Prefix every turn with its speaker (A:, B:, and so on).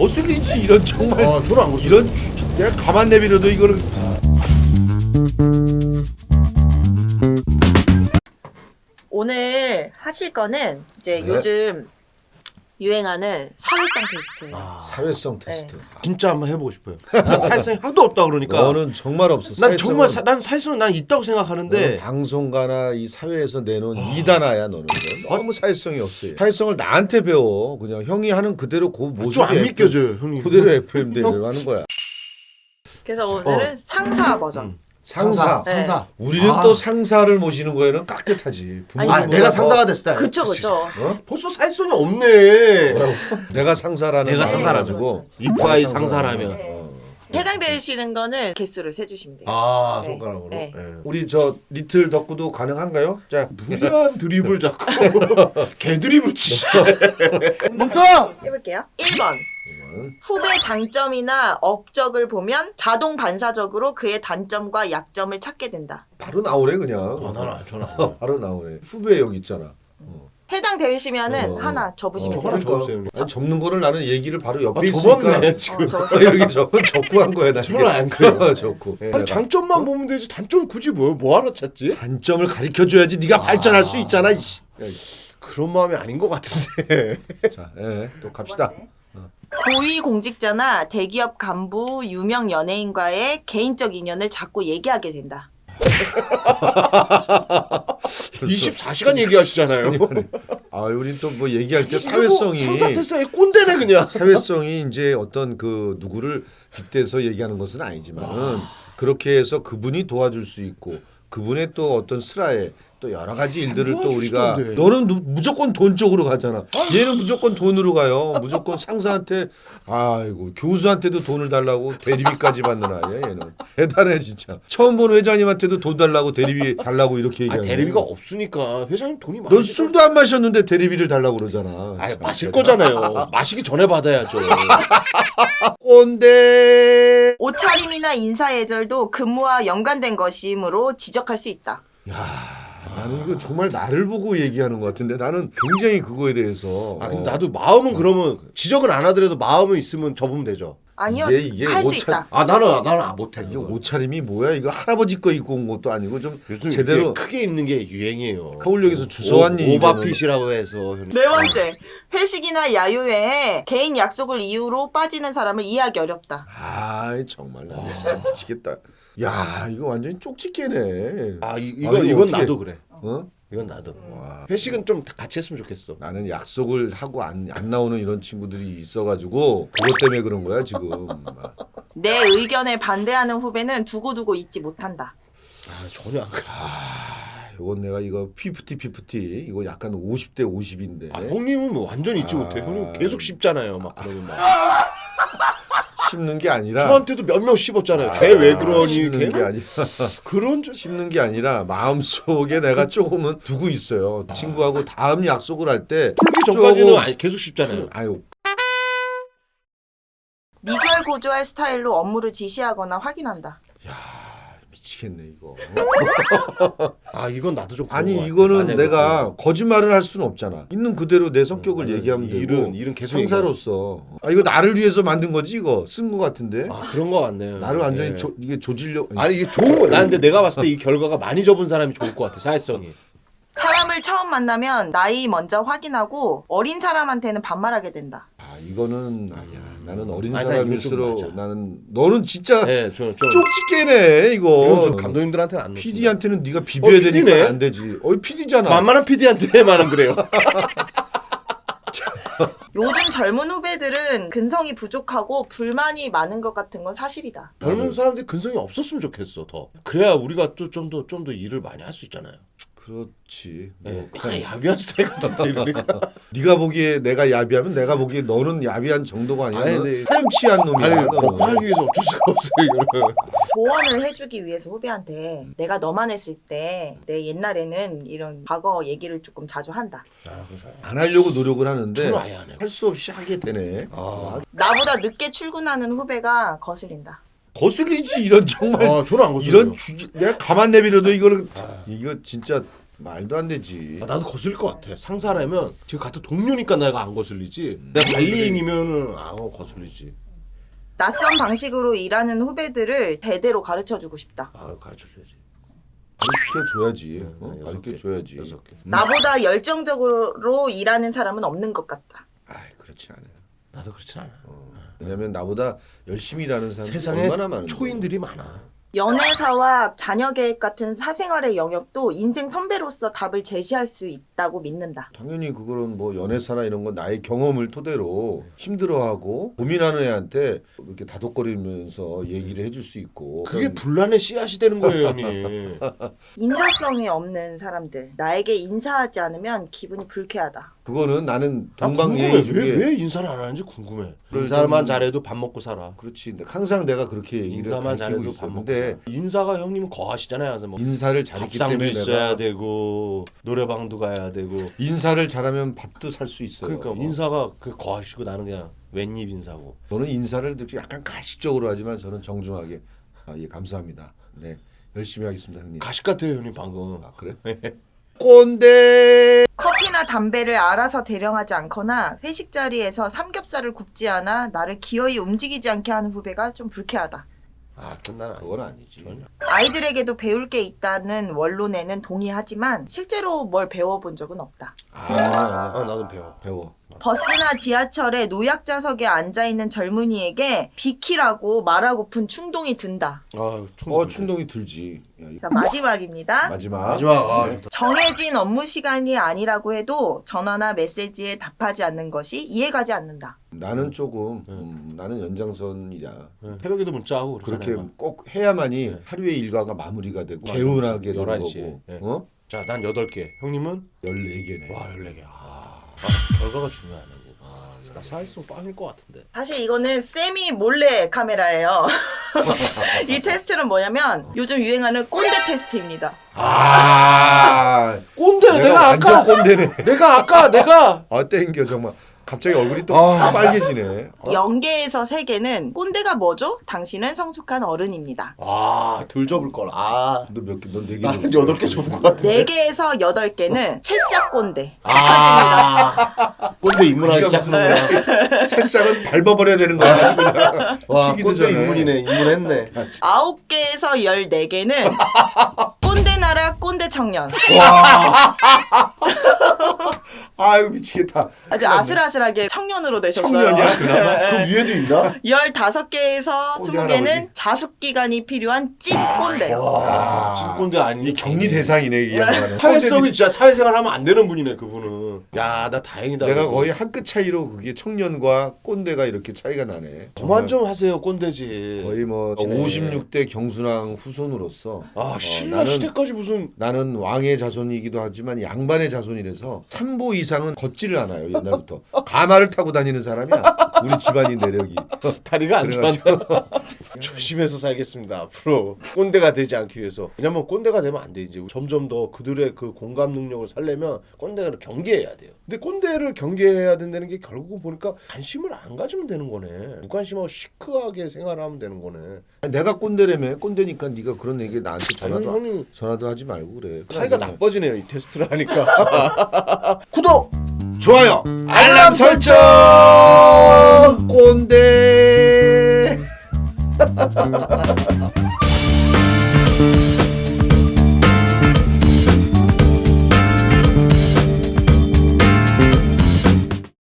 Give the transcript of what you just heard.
A: 거슬리지 이런 정말.
B: 아 저는 안 거슬려.
A: 이런 내가 가만 내비려도 이거는.
C: 오늘 하실 거는 이제
A: 네.
C: 요즘 유행하는 사회성 테스트.
A: 사회성 테스트.
B: 진짜 한번 해보고 싶어요. 난 사회성이 하나도 없다 그러니까.
A: 너는 정말 없어.
B: 난 정말 난 사회성은 난 있다고 생각하는데.
A: 방송가나 이 사회에서 내놓은 이단아야 너는. 너무 사회성이 없어. 사회성을 나한테 배워. 그냥 형이 하는 그대로 그 모습이
B: 좀 안 믿겨져요, 형님.
A: 그대로 FM 대로 하는 거야.
C: 그래서 오늘은 상사 버전.
A: 상사.
C: 네.
B: 상사.
A: 우리는 또 상사를 모시는 거에는 깍듯하지.
C: 아니,
B: 아 내가 상사가 됐을 때.
C: 그쵸 그쵸.
B: 벌써 사회성이 없네.
A: 내가 상사라는
B: 내가
A: 말을
B: 상사라면.
A: 가지고
B: 이프아이 상사라면.
C: 네. 해당되시는 거는 개수를 세주시면 돼요.
B: 아
C: 네.
B: 손가락으로.
C: 네.
B: 예.
A: 우리 저 리틀 덕구도 가능한가요? 자,
B: 무리한 드립을 자꾸 개 드립을 치시.
C: 해볼게요. 1번. 후배 장점이나 업적을 보면 자동 반사적으로 그의 단점과 약점을 찾게 된다.
A: 바로 나오네 그냥.
B: 전화.
A: 바로 나오네. 후배 여기 있잖아.
C: 해당되시면은 하나 접으시면
B: 하나
C: 돼요.
B: 적으세요, 형님.
A: 아니, 접는 거를 나는 얘기를 바로 옆에
B: 아,
A: 있으니까
B: 접었네 지금.
A: 이렇게 접고 한 거야 나.
B: 저는 안 그래요.
A: 접고.
B: 아니 장점만 보면 되지 단점 굳이 뭐하러 찾지?
A: 단점을 가르쳐 줘야지 네가 발전할 수 있잖아. 이씨. 야, 이씨.
B: 그런 마음이 아닌 것 같은데.
A: 자, 또 갑시다.
C: 고위 공직자나 대기업 간부, 유명 연예인과의 개인적 인연을 자꾸 얘기하게 된다.
B: 24시간 얘기하시잖아요.
A: 아, 우린 또 뭐 얘기할 때 사회성이
B: 상사태사의 꼰대네 그냥.
A: 사회성이 이제 어떤 그 누구를 빗대서 얘기하는 것은 아니지만은 그렇게 해서 그분이 도와줄 수 있고 그분의 또 어떤 슬하에 또 여러 가지 일들을 또 우리가
B: 도와주시던데.
A: 너는 무조건 돈 쪽으로 가잖아. 얘는 무조건 돈으로 가요. 무조건 상사한테 아이고 교수한테도 돈을 달라고 대리비까지 받는 아이야 얘는. 대단해 진짜. 처음 본 회장님한테도 돈 달라고 대리비 달라고 이렇게
B: 아
A: 얘기하는
B: 대리비가
A: 거야.
B: 없으니까 회장님 돈이 많이.
A: 넌 술도 안 마셨는데 대리비를 달라고 그러잖아.
B: 아
A: 참,
B: 마실
A: 대단-
B: 거잖아요. 마시기 전에 받아야죠.
A: 꼰대.
C: 옷차림이나 인사예절도 근무와 연관된 것이므로 지적할 수 있다.
A: 나는 이거 정말 나를 보고 얘기하는 것 같은데 나는 굉장히 그거에 대해서
B: 아 근데 나도 마음은 그러면 지적은 안 하더라도 마음은 있으면 접으면 되죠.
C: 아니요,
A: 이게
C: 할 수
A: 옷차-
C: 있다.
B: 아 나는 못해.
A: 이거 옷차림이 뭐야? 이거 할아버지 거 입고 온 것도 아니고 좀
B: 요즘
A: 제대로
B: 크게 입는 게 유행이에요.
A: 서울역에서 주소왔니?
B: 오바핏이라고 해서. 형님.
C: 네 번째, 회식이나 야유회에 개인 약속을 이유로 빠지는 사람을 이해하기 어렵다.
A: 아 정말 나 진짜 미치겠다. 야 이거 완전히 쪽집게네.
B: 아
A: 이거
B: 이건
A: 어떻게-
B: 나도 그래.
A: 어?
B: 이건 나도. 회식은 좀 같이 했으면 좋겠어.
A: 나는 약속을 하고 안 나오는 이런 친구들이 있어가지고 그것 때문에 그런 거야 지금.
C: 내 의견에 반대하는 후배는 두고두고 잊지 못한다.
B: 아 전혀 안 그래.
A: 이건 내가 이거 피프티 이거 약간 50대 50인데.
B: 아 형님은 뭐 완전 잊지 못해. 형님 계속 씹잖아요. 막 그러면 막.
A: 씹는 게 아니라
B: 저한테도 몇 명 씹었잖아요. 걔 왜 그러니?
A: 씹는
B: 걔
A: 게 아니라
B: 그런 줄.
A: 씹는 게 아니라 마음속에 내가 조금은 두고 있어요. 친구하고 다음 약속을 할 때
B: 풀기 전까지는 계속 씹잖아요.
A: 아유
C: 미주알 고주알 스타일로 업무를 지시하거나 확인한다.
A: 미치겠네 이거.
B: 아 이건 나도 좀.
A: 아니
B: 그런 것 같아.
A: 이거는
B: 만약에
A: 내가 거짓말을 할 수는 없잖아. 있는 그대로 내 성격을 얘기하면 되고
B: 일은 계속
A: 상사로서 아 이거 나를 위해서 만든 거지 이거 쓴 거 같은데.
B: 아 그런 거 같네요.
A: 나를 완전히
B: 네.
A: 이게 조질려.
B: 아니 이게 좋은 거. 나 근데 내가 봤을 때 이 결과가 많이 접은 사람이 좋을 것 같아. 사회성이.
C: 사람을 처음 만나면 나이 먼저 확인하고 어린 사람한테는 반말하게 된다.
A: 아 이거는 아니야. 나는 어린
B: 아니, 나 이건 좀
A: 사람일수록
B: 맞아.
A: 나는 너는 진짜
B: 네, 좀
A: 쪽집게네
B: 이건
A: 이거.
B: 좀 감독님들한테는 안 넣습니다.
A: PD한테는 네가 비벼야
B: PD 네.
A: 되니까 안 되지. PD잖아.
B: 만만한 PD한테만은 그래요.
C: 요즘 젊은 후배들은 근성이 부족하고 불만이 많은 것 같은 건 사실이다.
B: 젊은 사람들이 근성이 없었으면 좋겠어 더. 그래야 우리가 또 좀 더 일을 많이 할 수 있잖아요.
A: 그렇지.
B: 네,
A: 뭐
B: 그냥 야비한 스타일 같은데 이러니까.
A: 네가 보기에 내가 야비하면 내가 보기에 너는 야비한 정도가 아니야.
B: 아니,
A: 너는
B: 네.
A: 파렴치한 놈이야.
B: 아니
A: 너는.
B: 먹고 살기 위해서 어쩔 수가 없어요 이거는.
C: 조언을 해주기 위해서 후배한테 내가 너만 했을 때 내 옛날에는 이런 과거 얘기를 조금 자주 한다.
B: 아 그래서
A: 안 하려고 노력을 하는데
B: 저는 아예 안 해요.
A: 할 수 없이 하게 되네.
C: 나보다 늦게 출근하는 후배가 거슬린다.
A: 거슬리지 이런 정말
B: 저는 안 거슬려요.
A: 이런 내가 가만 내비려도 이거는 이거 진짜 말도 안 되지.
B: 나도 거슬릴 것 같아. 상사라면 지금 같은 동료니까 내가 안 거슬리지. 내가 관리인이면은 거슬리지.
C: 낯선 방식으로 일하는 후배들을 대대로 가르쳐주고 싶다.
B: 가르쳐줘야지.
A: 가르쳐줘야지.
B: 여섯 개.
A: 가르쳐줘야지.
B: 6개.
C: 나보다 열정적으로 일하는 사람은 없는 것 같다.
A: 그렇지 않아요.
B: 나도 그렇진 않아.
A: 왜냐면 나보다 열심히 일하는 사람이
B: 세상에
A: 얼마나 많은데.
B: 초인들이 많아.
C: 연애사와 자녀계획 같은 사생활의 영역도 인생 선배로서 답을 제시할 수 있다고 믿는다.
A: 당연히 그거는 뭐 연애사나 이런 건 나의 경험을 토대로 힘들어하고 고민하는 애한테 이렇게 다독거리면서 얘기를 해줄 수 있고.
B: 그게 분란의 씨앗이 되는 거예요, 형님.
C: 인사성이 없는 사람들. 나에게 인사하지 않으면 기분이 불쾌하다.
A: 그거는 나는
B: 궁금해.
A: 동방예의 중에
B: 왜 인사를 안 하는지 궁금해.
A: 그걸
B: 인사만
A: 좀-
B: 잘해도 밥 먹고 살아.
A: 그렇지. 근데 항상 내가 그렇게 얘기를
B: 인사만
A: 가르치고
B: 잘해도 밥
A: 있어.
B: 먹고
A: 근데
B: 살아. 인사가 형님은 거하시잖아요. 그래서 뭐
A: 인사를 잘했기
B: 밥상도
A: 때문에
B: 있어야
A: 내가
B: 되고 노래방도 가야 되고.
A: 인사를 잘하면 밥도 살 수 있어요.
B: 그러니까 인사가 그 거하시고 나는 그냥 웬입 인사고.
A: 저는 인사를 이렇게 약간 가식적으로 하지만 저는 정중하게 예 감사합니다. 네 열심히 하겠습니다 형님.
B: 가식 같아요, 형님 방금.
A: 그래? 꼰대.
C: 커피나 담배를 알아서 대령하지 않거나 회식 자리에서 삼겹살을 굽지 않아 나를 기어이 움직이지 않게 하는 후배가 좀 불쾌하다.
B: 끝나나.
A: 그건 아니지.
C: 아이들에게도 배울 게 있다는 원론에는 동의하지만 실제로 뭘 배워본 적은 없다.
B: 나도 배워.
A: 배워.
C: 버스나 지하철에 노약자석에 앉아있는 젊은이에게 비키라고 말하고픈 충동이 든다.
A: 충동이 들지. 야,
C: 자, 마지막입니다.
A: 마지막. 네.
B: 좋다.
C: 정해진 업무 시간이 아니라고 해도 전화나 메시지에 답하지 않는 것이 이해가지 않는다.
A: 나는 조금 나는 연장선이야.
B: 새벽에도 문자하고
A: 그렇게 꼭 해야만이 하루의 일과가 마무리가 되고
B: 맞아.
A: 개운하게 되는
B: 11시
A: 거고.
B: 예.
A: 어?
B: 자, 난 8개. 형님은?
A: 14개네.
B: 와, 14개. 결과가 중요하네. 나 사회성 빵일 것 같은데.
C: 사실 이거는 세미 몰래 카메라예요. 이 테스트는 뭐냐면 요즘 유행하는 꼰대 테스트입니다.
B: 꼰대 내가
A: 완전
B: 아까
A: 꼰대네.
B: 내가
A: 땡겨 정말. 갑자기 얼굴이 또 빨개지네.
C: 영계에서 세계는 꼰대가 뭐죠? 당신은 성숙한 어른입니다.
B: 덜 접을 걸.
A: 너 몇 개? 넌 4개.
B: 난 8개 접을 것 같아.
C: 4개에서 8개는 새싹 꼰대.
B: 꼰대 입문하기 시작했어.
A: 새싹은 밟아버려야 되는 거야. 그냥.
B: 와,
A: 튀기도
B: 꼰대
A: 전에.
B: 입문이네. 입문했네.
C: 9개에서 14개는 꼰대 나라 꼰대 청년.
A: 아이고 미치겠다.
C: 아주 아슬아슬하게 청년으로 되셨어요.
A: 청년이야 그나마.
B: 그 위에도 있나?
C: 15개에서
A: 꼰대
C: 20개는
A: 할아버지.
C: 자숙 기간이 필요한 찐 꼰대.
B: 와, 찐꼰대 아니.
A: 이 격리 대상이네 이 양반은.
B: 사회성이 진짜 사회생활 하면 안 되는 분이네, 그분은. 야, 나 다행이다.
A: 내가
B: 그래도.
A: 거의 한 끗 차이로 그게 청년과 꼰대가 이렇게 차이가 나네.
B: 그만 좀 하세요, 꼰대지.
A: 거의 뭐 56대 경순왕 후손으로서
B: 신라 시대까지 무슨.
A: 나는 왕의 자손이기도 하지만 양반의 자손이라서 참보 이상은 걷지를 않아요 옛날부터. 가마를 타고 다니는 사람이야 우리 집안이 내력이.
B: 다리가 안 좋았네.
A: 그래가지고
B: 조심해서 살겠습니다 앞으로. 꼰대가 되지 않기 위해서. 왜냐면 꼰대가 되면 안 돼. 이제 점점 더 그들의 그 공감 능력을 살려면 꼰대를 경계해야 돼요. 근데 꼰대를 경계해야 된다는 게 결국은 보니까 관심을 안 가지면 되는 거네. 무관심하고 시크하게 생활하면 되는 거네.
A: 내가 꼰대라며. 꼰대니까 네가 그런 얘기 나한테
B: 형님
A: 전화도 하지 말고 그래.
B: 사이가 나빠지네요, 이 테스트를 하니까. 구독,
A: 좋아요
B: 알람 설정.
A: 꼰대